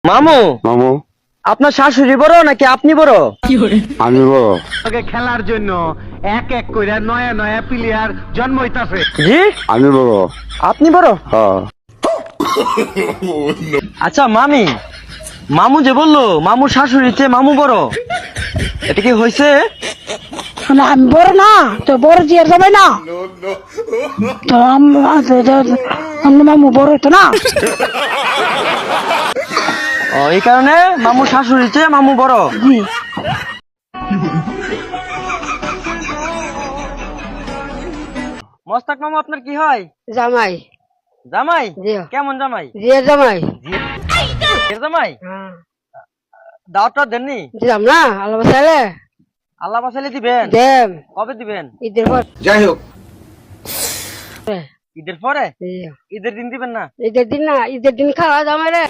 মামু মামু আপনার শাশুড়ি বড় নাকি আপনি বড়? আমি বড়। খেলার জন্য এক এক করে নয়া নয়া প্লেয়ার জন্ম হইতাছে। জি আমি বড়। আপনি বড়? হ্যাঁ আচ্ছা মামি, মামু যে বললো মামুর শাশুড়ির চেয়ে মামু বড়, এটা কি হয়েছে? না আমি বড় না তো বড় জিয়ার যাবে না তো আমরা মামু বড় হইতো না। ও এই কারণে মামুর শাশুড়ির চেয়ে মামু বড়। জি মস্তাক মামু আপনার কি হয়? জামাই। জামাই? জি কেমন জামাই? জিয়ার জামাই। এর জামাই? দাওয়াতটা দেননি? দিলাম না আল্লাহ বাসাইলে আল্লাহ বাসাইলে দিবেন? দেম কবে দিবেন? ঈদের পর। যাই হোক ঈদের পরে? জি। ঈদের দিন দিবেন না? ঈদের দিন না, ঈদের দিন খাওয়া জামাই রে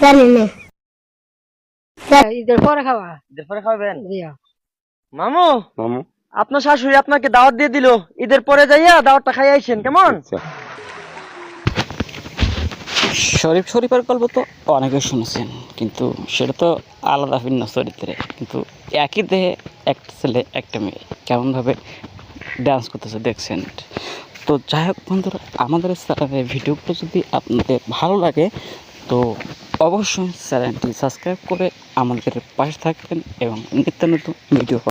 ঈদের পরে খাওয়া। ঈদের পরে খাবেন? জি মামু মামু আপনার শাশুড়ি আপনাকে দাওয়াত দিয়ে দিল, ঈদের পরে যাইয়া দাওয়াতটা খাই আইছেন, কেমন? আচ্ছা শরীফের গল্প তো অনেকে শুনেছেন, কিন্তু সেটা তো আলাদা ভিন্ন চরিত্রে, কিন্তু একই দেহে একটা ছেলে একটা মেয়ে কেমনভাবে ডান্স করতেছে দেখছেন। তো যাই হোক বন্ধুরা, আমাদের চ্যানেলের ভিডিওগুলো যদি আপনাদের ভালো লাগে তো অবশ্যই চ্যানেলটি সাবস্ক্রাইব করে আমাদের পাশে থাকবেন এবং নিত্য নতুন ভিডিও